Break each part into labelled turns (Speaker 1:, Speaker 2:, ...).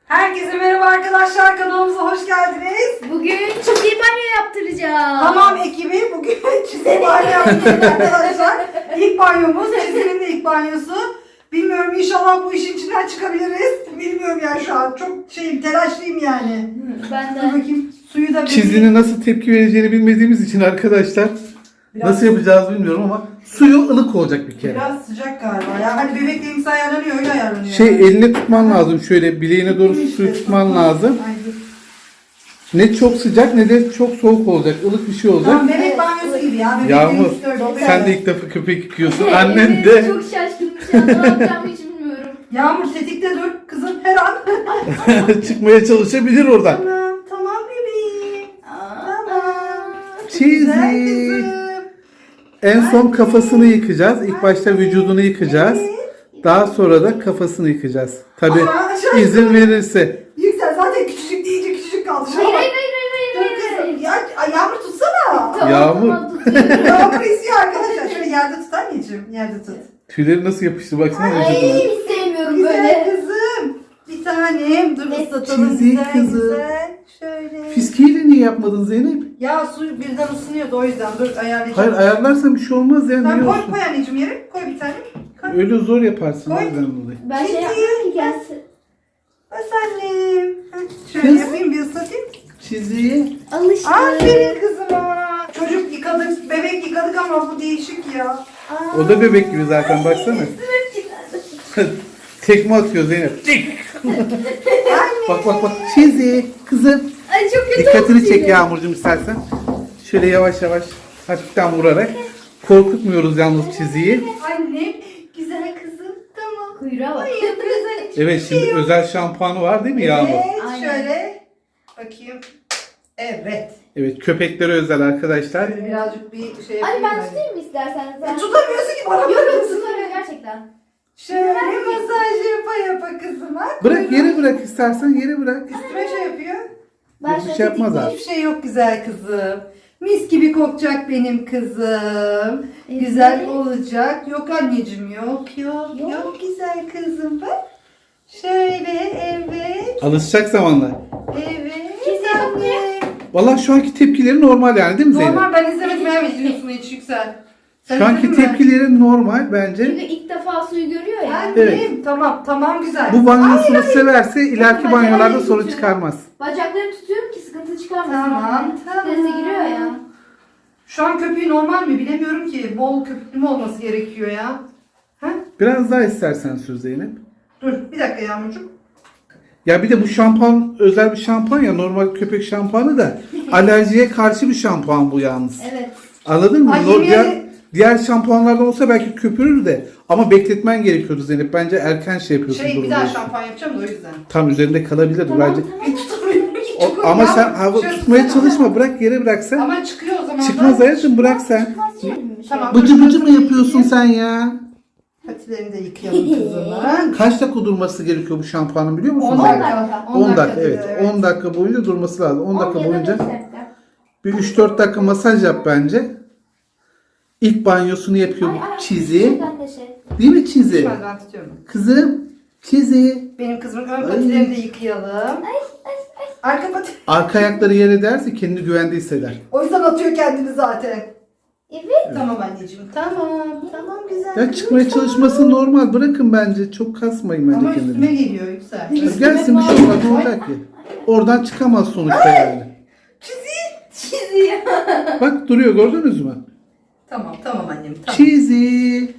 Speaker 1: Herkese merhaba arkadaşlar, kanalımıza hoş geldiniz.
Speaker 2: Bugün çizgi banyo yaptıracağım.
Speaker 1: Tamam ekibi, bugün çizgi banyo yapacağız arkadaşlar. İlk banyomuz, çizginin de ilk banyosu. Bilmiyorum, inşallah bu işin içinden çıkabiliriz. Bilmiyorum yani şu an, çok telaşlıyım yani.
Speaker 2: Ben
Speaker 1: Dur
Speaker 2: de.
Speaker 1: bakayım, suyu da
Speaker 3: Çizginin nasıl tepki vereceğini bilmediğimiz için arkadaşlar nasıl yapacağız bilmiyorum ama suyu ılık olacak bir kere.
Speaker 1: Biraz sıcak galiba ya. Hani bebekliğimiz ayarlanıyor, öyle ayarlanıyor.
Speaker 3: Eline tutman lazım, şöyle bileğine doğru suyu tutman lazım.
Speaker 1: Ay, dur.
Speaker 3: Ne çok sıcak ne de çok soğuk olacak, ılık bir şey olacak.
Speaker 1: Tamam, bebek banyosu gibi ya.
Speaker 3: Yağmur,
Speaker 1: Bebekliğimiz
Speaker 3: sen de ilk defa köpek yıkıyorsun, annen de.
Speaker 2: Çok şaşkınım şu an, ne yapacağımı hiç bilmiyorum.
Speaker 1: Yağmur tetikte dur kızım, her an.
Speaker 3: Çıkmaya çalışabilir oradan.
Speaker 1: Tamam, tamam bebeğim. Tamam.
Speaker 3: Çizi.
Speaker 1: Güzel kızım.
Speaker 3: En son kafasını yıkacağız. İlk başta vücudunu yıkacağız. Daha sonra da kafasını yıkacağız. Tabi
Speaker 1: Aşağı-
Speaker 3: izin verirse.
Speaker 1: Yüksel zaten küçücük deyince küçücük kaldı. Şuna
Speaker 2: Hayır
Speaker 1: bak.
Speaker 2: hayır hayır
Speaker 1: Dur
Speaker 2: hayır hayır.
Speaker 1: kızım. Ya, Yağmur tutsana.
Speaker 2: Tamam,
Speaker 3: Yağmur.
Speaker 2: tamam, tutuyorum.
Speaker 1: Yağmur istiyor arkadaşlar. Şöyle yerde tut anneciğim. Yerde tut.
Speaker 3: Tüyleri nasıl yapıştı baksana
Speaker 2: Ay
Speaker 3: vücuduna.
Speaker 2: hiç sevmiyorum
Speaker 1: Güzel
Speaker 2: böyle.
Speaker 1: kızım. Bir tanem. Dur
Speaker 2: Ne?
Speaker 1: ıslatalım.
Speaker 3: Çizik
Speaker 1: Güzel
Speaker 3: kızım.
Speaker 1: güzel. Şöyle.
Speaker 3: Fiskiyle niye yapmadın Zeynep?
Speaker 1: Ya su birden ısınıyordu o yüzden. Dur ayarlayacağım.
Speaker 3: Hayır ayarlarsan bir şey olmaz ya.
Speaker 1: Sen
Speaker 3: Niye
Speaker 1: koy
Speaker 3: olsun?
Speaker 1: koy anneciğim yere. Koy bir tane. Koy.
Speaker 3: Öyle zor yaparsın.
Speaker 1: Koy.
Speaker 3: o yüzden dolayı.
Speaker 2: Ben şey yapmıyorum ki gelsin.
Speaker 1: Bas annem. Heh, şöyle
Speaker 3: Kız.
Speaker 1: yapayım bir ıslatayım.
Speaker 3: Çiziyi.
Speaker 2: Alıştım.
Speaker 1: Aferin kızıma. Çocuk yıkadık, bebek yıkadık ama bu değişik ya.
Speaker 3: O da bebek gibi zaten baksana. Tekme atıyor Zeynep. Tik. Bak bak bak. Çizi. Kızım.
Speaker 2: Ay çok kötü
Speaker 3: Dikkatini
Speaker 2: oldu
Speaker 3: çek
Speaker 2: şimdi.
Speaker 3: Yağmurcuğum istersen. Şöyle yavaş yavaş hafiften vurarak. Korkutmuyoruz yalnız çiziyi.
Speaker 1: Annem, güzel kızım. Tamam.
Speaker 2: Kuyruğa bak.
Speaker 1: Ay, güzel.
Speaker 3: Evet şimdi özel şampuanı var değil mi Yağmur?
Speaker 1: Evet,
Speaker 2: Aynen.
Speaker 1: şöyle. Bakayım. Evet.
Speaker 3: Evet köpeklere özel arkadaşlar.
Speaker 1: Şöyle birazcık bir şey
Speaker 2: Hadi
Speaker 1: yapayım.
Speaker 2: ben
Speaker 1: ben.
Speaker 2: tutayım mı istersen?
Speaker 1: Tutamıyorsun ki bana
Speaker 2: Yok yok
Speaker 1: bakıyorsun.
Speaker 2: tutamıyorum gerçekten.
Speaker 1: Şöyle masaj yapa kızıma.
Speaker 3: Bırak yere bırak istersen yere bırak.
Speaker 1: Üstüme şey yapıyor.
Speaker 2: Ben
Speaker 3: Bir
Speaker 2: şöyle
Speaker 3: şey yapmaz
Speaker 2: tetikte-
Speaker 3: abi.
Speaker 1: Hiçbir şey yok güzel kızım. Mis gibi kokacak benim kızım.
Speaker 2: Evet.
Speaker 1: Güzel olacak. Yok anneciğim yok yok
Speaker 2: Yok.
Speaker 1: yok güzel kızım bak. Şöyle evet
Speaker 3: Alışacak zamanla.
Speaker 1: evet
Speaker 2: Kesin
Speaker 1: anne.
Speaker 3: Vallahi şu anki tepkileri normal yani değil mi Zeynep?
Speaker 1: Normal ben izlemedim hemen izliyorsun hiç Yüksel. Sen
Speaker 3: Şu anki
Speaker 1: izledin mi?
Speaker 3: tepkileri normal bence.
Speaker 2: Çünkü ilk defa suyu görüyor ya.
Speaker 1: Annem
Speaker 3: Evet.
Speaker 1: tamam güzel.
Speaker 3: Bu banyosunu severse ileriki
Speaker 2: Bakın,
Speaker 3: banyolarda
Speaker 2: bacağını
Speaker 3: sorun
Speaker 2: tutuyor.
Speaker 3: çıkarmaz.
Speaker 2: Bacaklarını tutuyorum ki sıkıntı çıkarmasın.
Speaker 1: Tamam.
Speaker 2: Strese giriyor ya.
Speaker 1: Şu an köpüğü normal mi bilemiyorum ki. Bol köpüklü mü olması gerekiyor ya. Ha?
Speaker 3: Biraz daha istersen sür Zeynep.
Speaker 1: Dur bir dakika Yağmurcuğum.
Speaker 3: Ya bir de bu şampuan özel bir şampuan ya normal köpek şampuanı da alerjiye karşı bir şampuan bu yalnız.
Speaker 2: Evet.
Speaker 3: Anladın mı?
Speaker 1: Ay, yemin
Speaker 3: Diğer şampuanlardan olsa belki köpürür de ama bekletmen gerekiyordu Zeynep. Bence erken şey yapıyorsun.
Speaker 1: Bir
Speaker 3: durum
Speaker 1: daha
Speaker 3: diyorsun.
Speaker 1: şampuan yapacağım da o yüzden.
Speaker 3: Tam üzerinde kalabilir
Speaker 2: Tamam
Speaker 3: bence.
Speaker 2: tamam.
Speaker 1: Hiç tutamıyorum ki. Çok
Speaker 3: Ama
Speaker 1: ya.
Speaker 3: sen hava
Speaker 1: Şöyle
Speaker 3: tutmaya
Speaker 1: tutsana.
Speaker 3: çalışma. Bırak yere bırak sen.
Speaker 1: Ama çıkıyor o zaman.
Speaker 3: Çıkmaz
Speaker 1: da.
Speaker 3: hayatım bırak sen.
Speaker 2: Çıkmaz canım bir şey.
Speaker 1: Tamam.
Speaker 3: Bıcı bıcı mı yapıyorsun sen ya?
Speaker 1: Patilerini de yıkayalım kızımın.
Speaker 3: Kaç dakika durması gerekiyor bu şampuanın biliyor musun?
Speaker 1: 10
Speaker 3: Zeynep?
Speaker 1: dakika.
Speaker 3: 10 dakika evet.
Speaker 1: dedi,
Speaker 3: 10 dakika boyunca durması lazım. 10 dakika
Speaker 2: 10 ya da
Speaker 3: boyunca
Speaker 2: 5 dakika.
Speaker 3: bir 3-4 dakika masaj yap bence. İlk banyosunu yapıyor
Speaker 2: Ay,
Speaker 3: bu
Speaker 2: ay,
Speaker 3: Çizi.
Speaker 2: şuradan da şey.
Speaker 3: Değil mi Çizi?
Speaker 1: Şöyle ben tutuyorum.
Speaker 3: Kızım Çizi.
Speaker 1: Benim kızımın ön patilerini de yıkayalım. Arka pati.
Speaker 3: Arka ayakları yere derse kendini güvende hisseder.
Speaker 1: O yüzden atıyor kendini zaten.
Speaker 2: Evet.
Speaker 1: Tamam anneciğim. Tamam güzel.
Speaker 3: Ya çıkmaya çalışması normal. Bırakın bence. Çok kasmayın bence
Speaker 1: Ama üstüme
Speaker 3: kendini.
Speaker 1: geliyor Yüksel.
Speaker 3: Gelsin bir şey olmaz. Ne olacak ki? Oradan çıkamaz sonuçta yani.
Speaker 2: Çiziyor.
Speaker 3: Bak duruyor gördünüz mü?
Speaker 1: Tamam annem. Tamam.
Speaker 3: Çizi.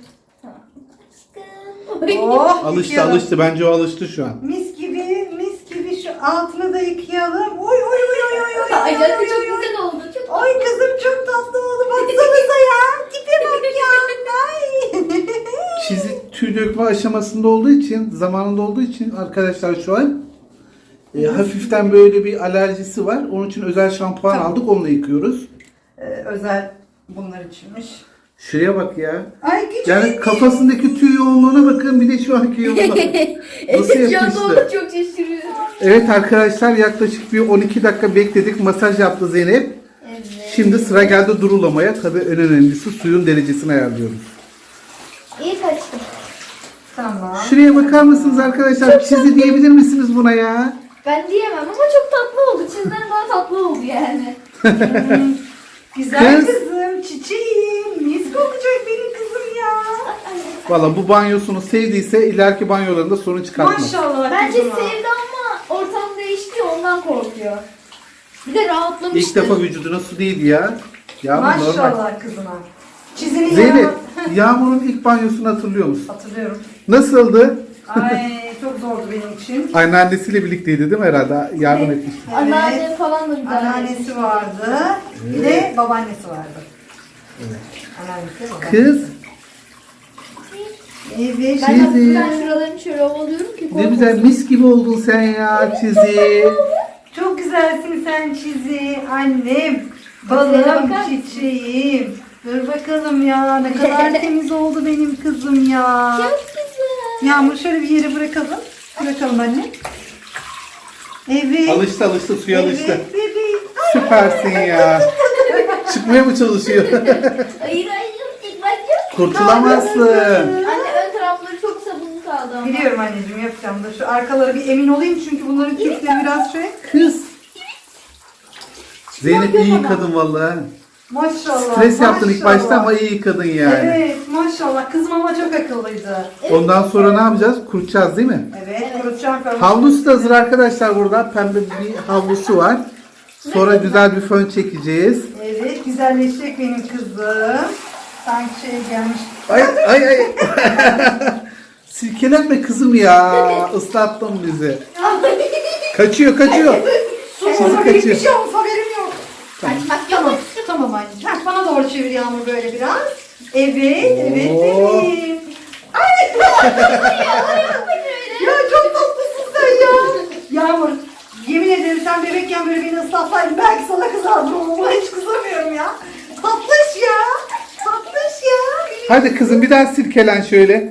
Speaker 1: Oh,
Speaker 3: Alıştı
Speaker 1: yıkayalım.
Speaker 3: alıştı. Bence o alıştı şu an.
Speaker 1: Mis gibi şu altını da yıkayalım. Oy.
Speaker 2: Ay
Speaker 1: oy,
Speaker 2: canım
Speaker 1: oy,
Speaker 2: çok
Speaker 1: oy, oy.
Speaker 2: güzel oldu. Çok
Speaker 1: Ay kızım çok tatlı oldu. Baksanıza ya. Tipe bak ya. Ay.
Speaker 3: Çizi tüy dökme aşamasında olduğu için, zamanında olduğu için arkadaşlar şu an hafiften böyle bir alerjisi var. Onun için özel şampuan
Speaker 1: Tamam.
Speaker 3: aldık. Onunla yıkıyoruz.
Speaker 1: Özel bunlar içinmiş.
Speaker 3: Şuraya bak ya.
Speaker 1: Ay küçük.
Speaker 3: Yani kafasındaki tüy yoğunluğuna bakın bir de şu anki yoğunluğuna. Nasıl
Speaker 2: Evet şu anda
Speaker 3: yapıştı?
Speaker 2: onu çok şaşırıyor.
Speaker 3: Evet arkadaşlar yaklaşık bir 12 dakika bekledik. Masaj yaptı Zeynep.
Speaker 2: Evet.
Speaker 3: Şimdi sıra geldi durulamaya. Tabii en önemlisi suyun derecesini ayarlıyoruz.
Speaker 2: İyi kaçtı.
Speaker 1: Tamam.
Speaker 3: Şuraya bakar mısınız arkadaşlar? Çizi diyebilir misiniz buna ya?
Speaker 2: Ben diyemem ama çok tatlı oldu. Çizden daha tatlı oldu yani.
Speaker 1: Güzel
Speaker 3: Kız.
Speaker 1: kızım, çiçeğim. Mis kokacak benim kızım ya.
Speaker 3: Valla bu banyosunu sevdiyse ileriki banyolarında sorun çıkartmaz.
Speaker 1: Maşallah
Speaker 2: Bence
Speaker 1: kızıma.
Speaker 2: sevdi ama ortam değişti ondan korkuyor. Bir de rahatlamıştı.
Speaker 3: İlk defa vücuduna su değdi ya. Ya bu normal.
Speaker 1: Maşallah kızıma. Çizinin
Speaker 3: Zeynep,
Speaker 1: yanına...
Speaker 3: Yağmur'un ilk banyosunu hatırlıyor musun?
Speaker 1: Hatırlıyorum.
Speaker 3: Nasıldı?
Speaker 1: Ay çok zordu benim için.
Speaker 3: Anneannesiyle birlikteydi değil mi herhalde? Yardım etmişti.
Speaker 2: Anneannem falan da güzel.
Speaker 1: Anneannesi vardı. Bir de babaannesi vardı. Anneannesi, babaannesi.
Speaker 3: Kız,
Speaker 1: Evet.
Speaker 2: Ben
Speaker 3: Çizi.
Speaker 2: hafiften şuralarını şöyle ovalıyorum ki
Speaker 3: ne
Speaker 2: korkmasın.
Speaker 3: güzel mis gibi oldun sen ya Çizi.
Speaker 1: Çok güzelsin sen Çizi. Annem.
Speaker 2: Bakar
Speaker 1: Balım,
Speaker 2: mısın?
Speaker 1: çiçeğim. Dur bakalım ya. Ne kadar temiz oldu benim kızım ya.
Speaker 2: Çok güzel.
Speaker 1: Yağmur şöyle bir yere bırakalım. Bırakalım anne. Evet.
Speaker 3: Alıştı suya alıştı.
Speaker 1: Evet bebeğim.
Speaker 3: Süpersin ya. Çıkmaya mı çalışıyor?
Speaker 2: Hayır ilk başta.
Speaker 3: Kurtulamazsın.
Speaker 2: Anne ön tarafları çok sabunlu kaldı ama.
Speaker 1: Biliyorum anneciğim yapacağım da şu arkalara bir emin olayım çünkü bunların kökleri biraz şey.
Speaker 3: Kız. Zeynep iyi yıkadın vallahi.
Speaker 1: Maşallah.
Speaker 3: Stres yaptın ilk
Speaker 1: maşallah.
Speaker 3: başta ama iyi yıkadın yani.
Speaker 1: Evet maşallah. Kızım ama çok akıllıydı.
Speaker 3: Ondan sonra ne yapacağız? Kurutacağız değil mi?
Speaker 1: Evet, kurutacağım falan.
Speaker 3: Havlusu da hazır arkadaşlar burada. Pembe bir havlusu var. Sonra güzel bir fön çekeceğiz.
Speaker 1: Evet, güzelleşecek benim kızım. Sanki şey gelmiş.
Speaker 3: Ay ay ay. Silkelenme kızım ya. Islattın bizi. Kaçıyor kaçıyor.
Speaker 1: Su
Speaker 3: Sizi
Speaker 1: olsa
Speaker 3: kaçıyor.
Speaker 1: hiçbir şey olmuş haberim yok.
Speaker 2: Kaçmak
Speaker 1: Tamam,
Speaker 2: yok.
Speaker 1: tamam anneciğim. Heh, bana doğru çevir Yağmur böyle biraz. Evet, evet
Speaker 3: Oo.
Speaker 1: bebeğim. Ay! Ya çok tatlısın sen ya. Yağmur, yemin ederim sen bebekken böyle beni ıslatsaydın belki sana kızardım ama hiç kızamıyorum ya. Tatlış ya. Tatlış ya.
Speaker 3: Hadi kızım bir daha silkelen şöyle.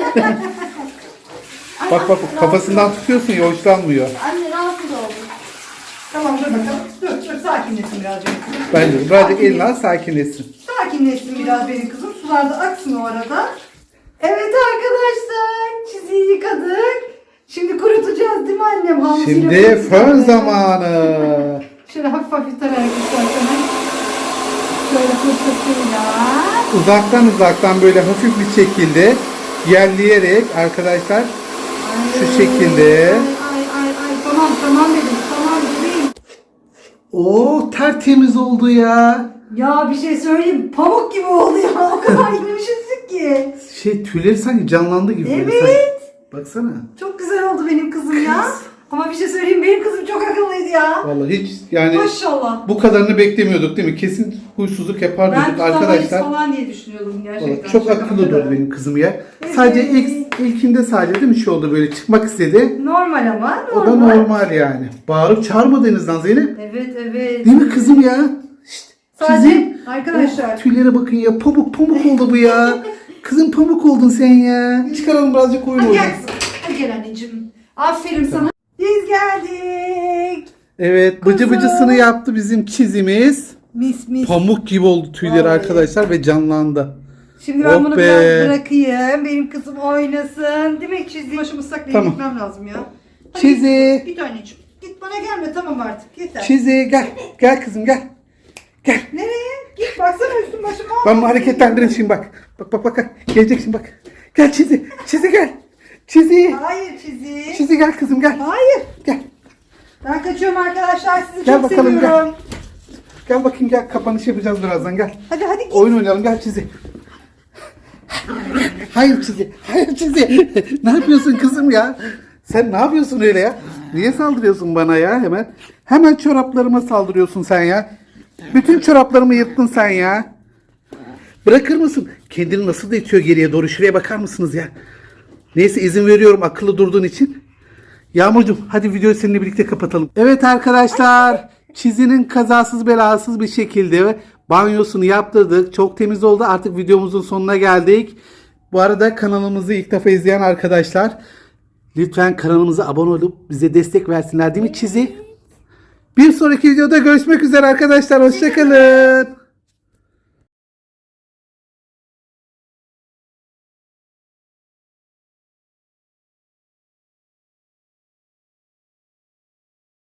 Speaker 3: Bak bak kafasından tutuyorsun ya hoşlanmıyor.
Speaker 2: Anne rahatsız oldum.
Speaker 1: Tamam dur bakalım. Dur sakinleşsin biraz benim kızım.
Speaker 3: Bence de. Birazcık elini al sakinleşsin.
Speaker 1: Sakinleşsin biraz benim kızım. Sular da aksın o arada. Evet arkadaşlar. Çiziyi yıkadık. Şimdi kurutacağız değil mi annem? Hamsiyle
Speaker 3: Şimdi
Speaker 1: kurutacağız.
Speaker 3: fön zamanı.
Speaker 1: Şöyle hafif hafif tararak isterseniz. Şöyle fırçasıyla.
Speaker 3: Uzaktan böyle hafif bir şekilde yerleyerek arkadaşlar şu şekilde.
Speaker 1: Ay. Tamam dedim. Tamam dedim.
Speaker 3: Oo tertemiz oldu ya.
Speaker 1: Ya bir şey söyleyeyim. Pamuk gibi oldu ya. O kadar yumuşacık ki.
Speaker 3: Tüyleri sanki canlandı gibi. böyle
Speaker 1: Evet.
Speaker 3: sanki. Baksana.
Speaker 1: Çok güzel oldu benim kızım ya. Ama bir şey söyleyeyim. Benim kızım çok akıllıydı ya.
Speaker 3: Vallahi hiç yani
Speaker 1: Maşallah.
Speaker 3: bu kadarını beklemiyorduk değil mi? Kesin huysuzluk yapar
Speaker 1: Ben
Speaker 3: dedik
Speaker 1: tutamayız
Speaker 3: arkadaşlar.
Speaker 1: falan diye düşünüyordum gerçekten.
Speaker 3: Vallahi çok
Speaker 1: Şaka
Speaker 3: akıllı
Speaker 1: maka.
Speaker 3: durdu benim kızım ya. Sadece ilkinde sadece değil mi şey oldu böyle çıkmak istedi.
Speaker 1: Normal ama.
Speaker 3: O da normal yani. Bağırıp çağırmadığınızdan Zeynep.
Speaker 1: Evet.
Speaker 3: Değil mi kızım ya? Şşt,
Speaker 1: Sadece
Speaker 3: çizim.
Speaker 1: arkadaşlar.
Speaker 3: Oh, tüylere bakın ya. Pamuk oldu bu ya. Kızım pamuk oldun sen ya. Çıkaralım birazcık oyun
Speaker 1: Hadi
Speaker 3: oynayalım.
Speaker 1: gel kızım. Hadi gel anneciğim. Aferin sana. Biz geldik.
Speaker 3: Evet bıcı bıcısını yaptı bizim çizimiz.
Speaker 1: Mis.
Speaker 3: Pamuk gibi oldu tüyleri
Speaker 1: Vallahi.
Speaker 3: arkadaşlar ve canlandı.
Speaker 1: Şimdi ben
Speaker 3: Oh
Speaker 1: bunu
Speaker 3: be.
Speaker 1: biraz bırakayım. Benim kızım oynasın. Demek çizdiğim başımı ıslaklayıp
Speaker 3: Tamam.
Speaker 1: gitmem lazım ya. Hadi
Speaker 3: Çizi.
Speaker 1: Git anneciğim. Git bana gelme tamam artık. Yeter.
Speaker 3: Çizi gel. Gel kızım gel. Gel.
Speaker 1: Nereye? Git baksana üstüm başıma.
Speaker 3: Ben bu hareketlendireyim şimdi bak. Bak. Gelecek şimdi bak. Gel Çizi. Çizi gel. Çizi.
Speaker 1: Hayır çizi.
Speaker 3: Çizi gel kızım gel.
Speaker 1: Hayır.
Speaker 3: Gel.
Speaker 1: Ben kaçıyorum arkadaşlar. Sizi
Speaker 3: Gel
Speaker 1: çok
Speaker 3: bakalım,
Speaker 1: seviyorum.
Speaker 3: Gel bakayım gel. Kapanış yapacağız birazdan gel.
Speaker 1: Hadi git.
Speaker 3: Oyun oynayalım gel Çizi. Hayır Çizi. Ne yapıyorsun kızım ya? Sen ne yapıyorsun öyle ya? Niye saldırıyorsun bana ya hemen? Hemen çoraplarıma saldırıyorsun sen ya. Bütün çoraplarımı yırttın sen ya. Bırakır mısın? Kendini nasıl da itiyor geriye doğru. Şuraya bakar mısınız ya? Neyse izin veriyorum akıllı durduğun için. Yağmurcuğum hadi videoyu seninle birlikte kapatalım. Evet arkadaşlar. Çizinin kazasız belasız bir şekilde banyosunu yaptırdık. Çok temiz oldu. Artık videomuzun sonuna geldik. Bu arada kanalımızı ilk defa izleyen arkadaşlar lütfen kanalımıza abone olup bize destek versinler değil mi Çizi? Bir sonraki videoda görüşmek üzere arkadaşlar. Hoşçakalın.